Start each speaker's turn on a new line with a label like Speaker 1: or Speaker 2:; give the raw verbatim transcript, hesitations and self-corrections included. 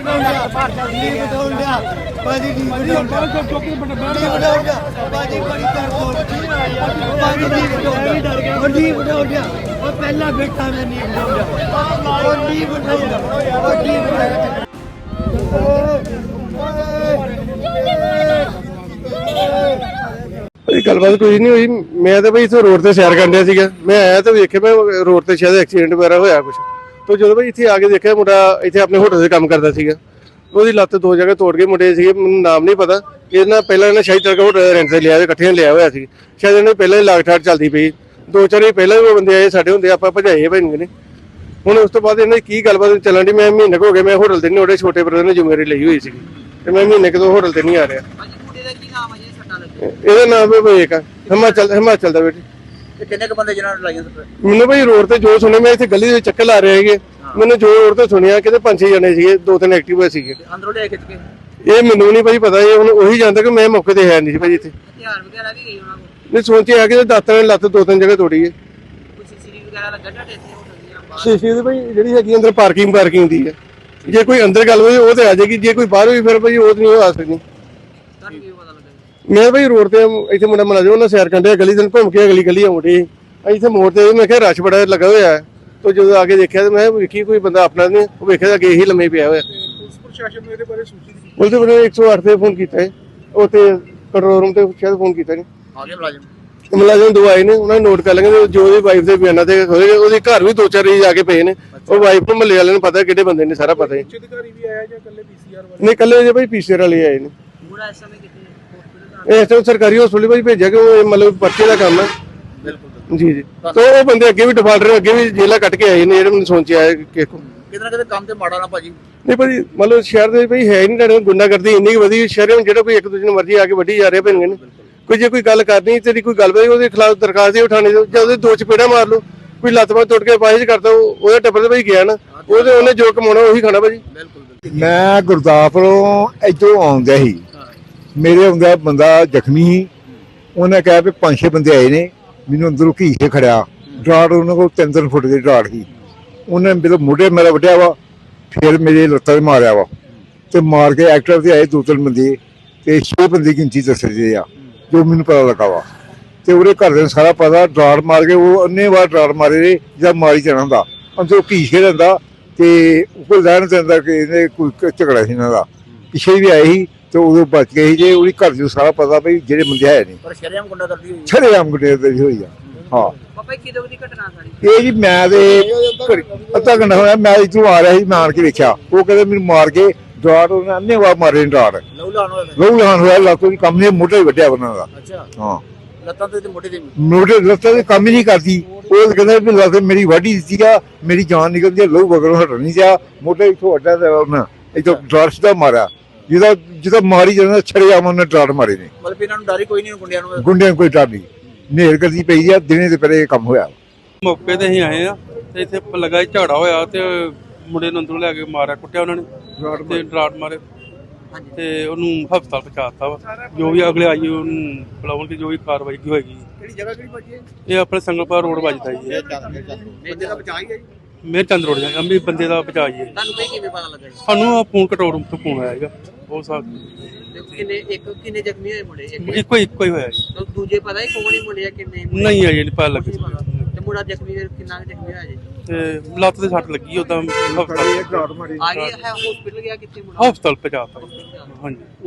Speaker 1: पहला बेटा मैं नहीं
Speaker 2: गलबात कोई नहीं हुई। मैं तो भाई इतने रोड से सैर कर रहा मैं आया तो वेखे मैं रोड से शायद एक्सीडेंट वगैरह होया कुछ तो जो भाई इतने आके देखा मुंडा इतने अपने होटल से काम करता सीगा ਉਹਦੀ ਲੱਤ ਦੋ ਜਗ੍ਹਾ ਤੋੜ ਕੇ ਮੁੰਡੇ ਸੀਗੇ ਮੈਨੂੰ ਨਾਮ ਨਹੀਂ ਪਤਾ ਇਹਨਾਂ ਪਹਿਲਾਂ ਇਹਨਾਂ ਸ਼ਾਇਦ ਤੜਕਾ ਹੋਟਲ ਰੈਂਟ ਤੇ ਲਿਆ ਇਕੱਠੇ ਲਿਆ ਹੋਇਆ ਸੀ ਸ਼ਾਇਦ ਇਹਨੇ ਪਹਿਲਾਂ ਹੀ ਲਾਗ ਠਾੜ ਚੱਲਦੀ ਪਈ ਦੋ ਚਾਰ ਹੀ ਪਹਿਲਾਂ ਵੀ ਬੰਦੇ ਆਏ ਸਾਡੇ ਹੁੰਦੇ ਆਪਾਂ ਭਜਾਏ ਭਾਈ ਨੇ ਹੁਣ ਉਸ ਤੋਂ ਬਾਅਦ ਇਹਨਾਂ ਦੀ ਕੀ ਗੱਲਬਾਤ ਚੱਲਣ ਦੀ ਮੈਂ ਮਹੀਨੇ ਹੋ ਗਏ ਮੈਂ ਹੋਟਲ ਤੇ ਨਹੀਂ ਉਹਦੇ ਛੋਟੇ ਬ੍ਰਦਰ ਨੇ ਜ਼ਿੰਮੇਵਾਰੀ ਲਈ ਹੋਈ ਸੀ ਤੇ ਮੈਂ ਮਹੀਨੇ ਕਿਦੋਂ ਹੋਟਲ ਤੇ ਨਹੀਂ ਆ ਰਿਹਾ। ਇਹਦਾ ਨਾਮ ਹੈ ਵਿਵੇਕ ਆ ਹਿਮਾਚਲ ਹਿਮਾਚਲ ਦਾ ਬੇਟੇ।
Speaker 3: ਕਿੰਨੇ ਕ ਬੰਦੇ ਜਿਹਨਾਂ ਨੇ ਲਾਈਆਂ ਸੱਟ?
Speaker 2: ਮੈਨੂੰ ਭਾਈ ਰੋਡ ਤੇ ਜੋ ਸੁਣਿਆ ਮੈਂ ਇੱਥੇ ਗਲੀ ਦੇ ਚੱਕਰ ਲਾ ਰਹੇ ਹੈਗੇ ਮੈਨੂੰ ਜੋ ਰੋਡ ਤੇ ਸੁਣਿਆ ਕਿਤੇ ਪੰਜ ਛੇ ਜਣੇ ਸੀਗੇ ਦੋ ਤਿੰਨ ਐਕਟਿਵ ਸੀਗੇ
Speaker 3: ਅੰਦਰੋਂ ਲਿਆ ਖਿੱਚ ਕੇ
Speaker 2: ਇਹ ਮੈਨੂੰ ਨਹੀਂ ਭਾਈ ਪਤਾ ਇਹ ਹੁਣ ਉਹੀ ਜਾਂਦਾ ਕਿ ਮੈਂ ਮੌਕੇ ਤੇ ਹੈ ਨਹੀਂ ਸੀ ਭਾਈ ਇੱਥੇ
Speaker 3: ਹਥਿਆਰ ਵਗੈਰਾ ਵੀ ਗਈ ਉਹਨਾਂ ਕੋਲ
Speaker 2: ਨਹੀਂ ਸੋਚਿਆ ਕਿ ਦਾਤਾਂ ਨੇ ਲੱਤ ਦੋ ਤਿੰਨ ਜਗ੍ਹਾ ਤੋੜੀ ਹੈ
Speaker 3: ਕੋਈ ਸੀਸੀਟੀਵੀ ਵਗੈਰਾ ਲੱਗਾ ਤੁਹਾਡੇ ਇੱਥੇ ਹੋਟਲ ਦੀਆਂ ਬਾਹਰ
Speaker 2: ਸ਼ੀਸ਼ੇ ਦੀ ਭਾਈ ਜਿਹੜੀ ਹੈਗੀ ਅੰਦਰ ਪਾਰਕਿੰਗ ਪਾਰਕਿੰਗ ਦੀ ਹੈ ਜੇ ਕੋਈ ਅੰਦਰ ਗੱਲ ਹੋਈ ਉਹ ਤੇ ਆ ਜਾਏਗੀ ਜੇ ਕੋਈ ਬਾਹਰ ਹੋਈ ਫਿਰ ਭਾਈ ਉਹ ਨਹੀਂ ਆ ਸਕਦੀ।
Speaker 3: ਤੁਹਾਨੂੰ ਕੀ ਪਤਾ ਲੱਗਾ?
Speaker 2: ਮੈਂ ਭਾਈ ਰੋਡ ਤੇ ਇੱਥੇ ਮੁੰਡਾ ਮਿਲਾ ਜੋ ਉਹਨਾਂ ਸੈਰ ਕਰਦੇ ਗਲੀ ਦਿਨ ਘੁੰਮ ਕੇ ਅਗਲੀ ਗਲੀ ਆਉਂਦੀ ਇੱਥੇ ਮੋੜ ਤੇ ਮੈਂ ਕਿਹਾ ਰਸ਼ ਬੜਾ ਲੱਗਾ ਹੋਇਆ ਹੈ तो जो आगे देखा तो मैं वेखी कोई बंदा अपना नहीं वो वेखे अगे ही लम्मे पिया हुआ
Speaker 4: पुलिस प्रशासन ने ਇਹਦੇ ਬਾਰੇ ਸੂਚਿਤ
Speaker 2: बोलते मैंने एक सौ आठ पे फोन किया है उत्ते कंट्रोल रूम ते शायद फोन किया नहीं
Speaker 3: ਆਗੇ ਮੁਲਾਜ਼ਮ
Speaker 2: मुलाजिम दो आए ने उन्होंने नोट कर लेंगे जो ਉਹਦੀ ਵਾਈਫ ਦੇ ਬਿਆਨਾਂ ਤੇ ਹੋਏ ਉਹਦੇ ਘਰ ਵੀ ਦੋ ਚਾਰ ਰੀ ਜਾ ਕੇ ਪਏ ਨੇ ਉਹ ਵਾਈਫ ਨੂੰ ਮੱਲੇ ਵਾਲਿਆਂ ਨੂੰ ਪਤਾ ਕਿਹੜੇ ਬੰਦੇ ਨੇ ਸਾਰਾ ਪਤਾ ਹੈ।
Speaker 4: ਅਧਿਕਾਰੀ ਵੀ ਆਇਆ ਜਾਂ ਕੱਲੇ ਪੀਸੀਆਰ ਵਾਲੇ?
Speaker 2: ਨਹੀਂ ਕੱਲੇ ਜੇ ਭਾਈ ਪੀਸੀਆਰ ਵਾਲੇ ਆਏ ਨੇ
Speaker 3: ਪੂਰਾ ਇਸ ਸਮੇਂ ਕਿੱਥੇ ਹਸਪੀਟਲ
Speaker 2: ਇਸ ਟਾਈਮ ਸਰਕਾਰੀ ਹਸਪਤਾਲ ਭਾਈ ਭੇਜਿਆ ਕਿ ਉਹ ਮਤਲਬ ਪਰਚੇ ਦਾ ਕੰਮ ਹੈ।
Speaker 3: ਬਿਲਕੁਲ
Speaker 2: ਜੀ ਜੀ तो ਉਹ ਬੰਦੇ ਅੱਗੇ ਵੀ ਡਿਫਾਲਟਰ ਅੱਗੇ ਵੀ ਜੇਲਾ ਕੱਟ ਕੇ ਆਏ ਨੇ ਜਿਹੜੇ ਮੈਨੂੰ ਸੋਚਿਆ ਹੈ ਕਿ
Speaker 3: ਕਿਤੇ ਨਾ ਕਿਤੇ ਕੰਮ ਤੇ ਮਾੜਾ ਨਾ ਭਾਜੀ
Speaker 2: ਨਹੀਂ ਭਾਜੀ ਮਤਲਬ ਸ਼ਹਿਰ ਦੇ ਭਾਈ ਹੈ ਹੀ ਨਹੀਂ ਤੁਹਾਡੇ ਗੁੰਡਾਗਰਦੀ ਇੰਨੀ ਕੁ ਵਧੀ ਸ਼ਹਿਰ ਵਿੱਚ ਜਿਹੜਾ ਕੋਈ ਇੱਕ ਦੂਜੇ ਨੂੰ ਮਰਜ਼ੀ ਆ ਕੇ ਵੱਢੀ ਜਾ ਰਿਹਾ ਭੈਣ ਨੇ ਕੋਈ ਜੇ ਕੋਈ ਗੱਲ ਕਰਨੀ ਤੇਰੀ ਕੋਈ ਗੱਲ ਪਈ ਉਹਦੇ ਖਿਲਾਫ ਦਰਖਾਸਤ ਹੀ ਉਠਾਣੀ ਜਾਂ ਉਹਦੇ ਦੋ ਚਪੇੜਾ ਮਾਰ ਲਓ ਕੋਈ ਲੱਤ ਬਾਂਹ ਟੁੱਟ ਕੇ ਪਾਇਸ਼ ਕਰਦਾ ਉਹਦੇ ਟੱਬਰ ਦੇ ਭਾਈ ਗਿਆ ਨਾ ਉਹਦੇ ਉਹਨੇ ਜੋ ਕਮਾਉਣਾ ਉਹੀ ਖਾਣਾ ਭਾਜੀ।
Speaker 5: ਮੈਂ ਗੁਰਦਾਸਪੁਰੋਂ ਇੱਧਰੋਂ ਆਉਂਦਾ ਸੀ ਮੇਰੇ ਆਉਂਦਾ ਬੰਦਾ ਜ਼ਖਮੀ ਸੀ ਉਹਨੇ ਕਿਹਾ ਵੀ ਪੰਜ ਛੇ ਬੰਦੇ ਆਏ ਨੇ ਮੈਨੂੰ ਅੰਦਰੋਂ ਘੀ ਕੇ ਖੜਿਆ ਡਰਾੜ ਉਹਨਾਂ ਕੋਲ ਤਿੰਨ ਤਿੰਨ ਫੁੱਟ ਦੀ ਡਰਾੜ ਸੀ ਉਹਨੇ ਮੇਰੇ ਮੋਢੇ ਮੇਰਾ ਵੱਢਿਆ ਵਾ ਫਿਰ ਮੇਰੇ ਲੱਤਾਂ 'ਤੇ ਮਾਰਿਆ ਵਾ ਤੇ ਮਾਰ ਕੇ ਐਕਟਰ ਤੇ ਆਏ ਦੋ ਤਿੰਨ ਬੰਦੇ ਤੇ ਛੇ ਬੰਦੇ ਗਿਣਤੀ ਦੱਸਦੇ ਆ ਜੋ ਮੈਨੂੰ ਪਤਾ ਲੱਗਾ ਵਾ ਤੇ ਉਹਦੇ ਘਰ ਦੇ ਸਾਰਾ ਪਤਾ ਡਰਾੜ ਮਾਰ ਕੇ ਉਹ ਅੰਨੇ ਵਾਰ ਡਰਾੜ ਮਾਰੇ ਜਾਂ ਮਾਰੀ ਜਾਣਾ ਹੁੰਦਾ ਅੰਦਰੋਂ ਘੀ ਕੇ ਰਹਿੰਦਾ ਤੇ ਕੋਈ ਲੈਣ ਦਿੰਦਾ ਕਿ ਇਹਨੇ ਕੋਈ ਝਗੜਾ ਸੀ ਇਹਨਾਂ ਦਾ ਪਿੱਛੇ ਵੀ ਆਏ ਸੀ ਤੇ ਉਦੋਂ ਬਚ ਗਏ ਸੀ ਜੇ ਉਹਦੀ ਘਰ ਨੂੰ ਸਾਰਾ ਪਤਾ ਵੀ ਜਿਹੜੇ ਬੰਦੇ ਹੈ ਨਹੀਂ
Speaker 3: ਪਰ ਸ਼ਰੇਆਮ ਗੁੰਡਾ ਕਰਦੀ ਹੋਈ
Speaker 5: ਸ਼ਰੇਆਮ ਗੁੰਡੇ ਦੀ ਹੋਈ ਆ। ਹਾਂ
Speaker 3: ਪਾਪਾ ਕਿਦੋਂ ਦੀ ਘਟਨਾ ਸਾਰੀ
Speaker 5: ਇਹ ਜੀ ਮੈਂ ਤੇ ਅੱਧਾ ਘੰਟਾ ਹੋਇਆ ਮੈਂ ਇੱਥੋਂ ਆ ਰਿਹਾ ਸੀ ਮੈਂ ਆਣ ਕੇ ਵੇਖਿਆ ਉਹ ਕਹਿੰਦੇ ਮੈਨੂੰ ਮਾਰ ਕੇ ਡਰਾੜ ਉਹਨੇ ਅੰਨੇ ਵਾਰ ਮਾਰੇ ਡਰਾੜ
Speaker 3: ਲਹੂ ਲਾਣ ਹੋਇਆ
Speaker 5: ਲਹੂ ਲਾਣ ਹੋਇਆ ਲੱਤੋਂ ਦੀ ਕੰਮ ਨਹੀਂ ਮੋਢੇ ਵੱਢਿਆ ਉਹਨਾਂ ਦਾ।
Speaker 3: ਅੱਛਾ
Speaker 5: ਹਾਂ
Speaker 3: ਲੱਤਾਂ ਤੇ ਮੋਢੇ ਤੇ
Speaker 5: ਮੋਢੇ ਲੱਤਾਂ ਦੇ ਕੰਮ ਹੀ ਨਹੀਂ ਕਰਦੀ ਉਹ ਕਹਿੰਦਾ ਵੀ ਲੱਤ ਮੇਰੀ ਵਾਢੀ ਦਿੱਤੀ ਆ ਮੇਰੀ ਜਾਨ ਨਿਕਲਦੀ ਆ ਲਹੂ ਵਗਰੋਂ ਹਟ ਨਹੀਂ ਜਾ ਮੋਢੇ ਇੱਥੋਂ ਅੱਡਾ ਤੇ ਉਹਨਾਂ ਇੱਥੋਂ ਡਰਾੜ ਸਿੱਧਾ ਮਾਰਿਆ ਜਿਹਦਾ ਜਿਹਦਾ ਮਾਰੀ ਜਾਂਦਾ ਛੜਿਆ ਉਹਨੇ ਡਰਾੜ ਮਾਰੇ ਨੇ
Speaker 3: ਮਤਲਬ ਇਹਨਾਂ ਨੂੰ ਡਰ ਹੀ ਕੋਈ ਨਹੀਂ ਗੁੰਡਿਆਂ ਨੂੰ
Speaker 5: ਗੁੰਡਿਆਂ ਨੂੰ ਕੋਈ ਡਰ ਨਹੀਂ ਨੇਰ ਕਰਦੀ ਪਈ ਆ ਦਿਨੇ ਤੇ ਪਹਿਲੇ ਇਹ ਕੰਮ ਹੋਇਆ।
Speaker 6: ਮੌਕੇ ਤੇ ਅਸੀਂ ਆਏ ਆ ਤੇ ਇੱਥੇ ਲੱਗਾ ਝਾੜਾ ਹੋਇਆ ਤੇ ਮੁੰਡੇ ਨੂੰ ਅੰਦਰੋਂ ਲੈ ਕੇ ਮਾਰਿਆ ਕੁੱਟਿਆ ਉਹਨਾਂ ਨੇ ਤੇ ਡਰਾਟ ਮਾਰੇ ਤੇ ਉਹਨੂੰ ਹਸਪਤਾਲ ਪਹੁੰਚਾਤਾ ਵਾ ਜੋ ਵੀ ਅਗਲੇ ਆਈ ਉਹਨੂੰ ਬੁਲਾਉਣ ਦੀ ਜੋ ਵੀ ਕਾਰਵਾਈ ਕੀ ਹੋਏਗੀ।
Speaker 4: ਕਿਹੜੀ ਜਗ੍ਹਾ ਕਿਹੜੀ ਵੱਜੀ ਹੈ?
Speaker 6: ਇਹ ਆਪਣੇ ਸੰਗਲਪੁਰ ਰੋਡ ਵੱਜਦਾ ਜੀ
Speaker 4: ਬੰਦੇ ਦਾ ਬਚਾਅ ਹੀ ਹੈ ਜੀ।
Speaker 6: ਮੇਰ ਚੰਦ ਰੋਡ ਜਾ ਅੰਮ੍ਰਿਤ ਬੰਦੇ ਦਾ ਬਚਾ ਜੀ
Speaker 3: ਤੁਹਾਨੂੰ ਕੋਈ ਕਿਵੇਂ ਪਤਾ ਲੱਗਾ ਜੀ?
Speaker 6: ਸਾਨੂੰ ਫੋਨ ਕੰਟਰੋਲ ਰੂਮ ਤੋਂ ਫੋਨ ਆਇਆ ਹੈਗਾ ਉਹ ਸਾਥ
Speaker 3: ਕਿੰਨੇ ਇੱਕ ਕਿੰਨੇ ਜ਼ਖਮੀ ਹੋਏ ਮੁੰਡੇ ਇੱਕ
Speaker 6: ਇੱਕੋ ਇੱਕੋ ਹੀ ਹੋਇਆ ਜੀ
Speaker 3: ਦੂਜੇ ਪਤਾ ਹੀ ਕੌਣ ਹੀ ਮੁੰਡੇ ਆ ਕਿੰਨੇ
Speaker 6: ਨਹੀਂ ਆਈ ਨਹੀਂ ਪਤਾ ਲੱਗੇ
Speaker 3: ਤੇ ਮੁੰਡਾ ਜ਼ਖਮੀ ਕਿੰਨਾ ਜ਼ਖਮੀ ਹੋਇਆ ਜੀ?
Speaker 6: ਤੇ ਲੱਤ ਤੇ ਸੱਟ ਲੱਗੀ ਉਦਾਂ ਹਸਪਤਾਲ
Speaker 3: ਆ ਗਿਆ ਹੈ ਹਸਪੀਟਲ ਗਿਆ ਕਿੱਥੇ ਮੁੰਡਾ?
Speaker 6: ਹਸਪਤਾਲ ਪਹੁੰਚਾਤਾ ਹਾਂਜੀ।